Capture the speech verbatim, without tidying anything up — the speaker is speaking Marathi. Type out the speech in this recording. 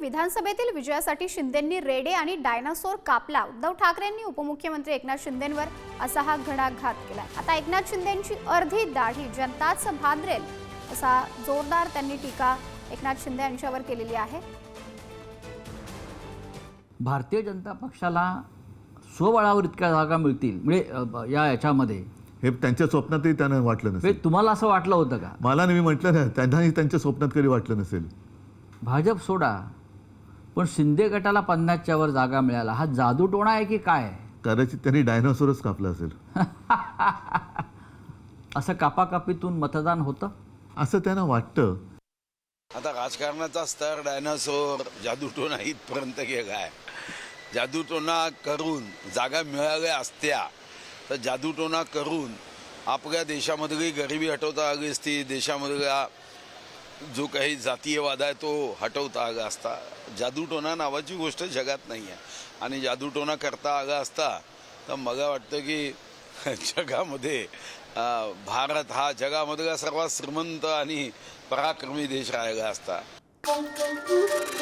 विधानसभेतील विजयासाठी शिंदेंनी रेडे आणि डायनासोर कापला। उद्धव ठाकरेंनी उपमुख्यमंत्री एकनाथ शिंदेंवर असा हा घणाघात केला। आता एकनाथ शिंदेंची अर्धी दाढी जनताच भादरेल असा जोरदार त्यांनी टीका एकनाथ शिंदे यांच्यावर केलेली आहे। भारतीय जनता पक्षाला स्वबळावर इतक्या जागा मिळतील म्हणजे या याच्यामध्ये हे त्यांच्या स्वप्नातही त्यांना वाटलं नसेल। तुम्हाला असं वाटलं होतं का? मला नाही, मी म्हटलं ना, त्यांनाही त्यांच्या स्वप्नात कधी वाटलं नसेल। भाजप सोडा, पण शिंदे गटाला पन्नासच्या वर जागा मिळाला, हा जादूटोणा आहे की काय? कदाचित त्यांनी डायनासोरच कापला असेल। असं कापाकापीतून मतदान होतं असं त्यांना वाटतं। आता राजकारणाचा स्तर डायनासोर जादूटोणा इथपर्यंत गेलाय। जादूटोणा करून जागा मिळाल्या असत्या तर जादूटोणा करून आपल्या देशामधली गरिबी हटवता आली असती, देशामधला जो काही जातीयवाद आहे तो हटवता आला असता। जादूटोणा नावाची गोष्ट जगात नाही आहे आणि जादूटोणा करता आला असता तर मला वाटतं की जगामध्ये भारत हा जगामधला सर्वात श्रीमंत आणि पराक्रमी देश राहिला असता।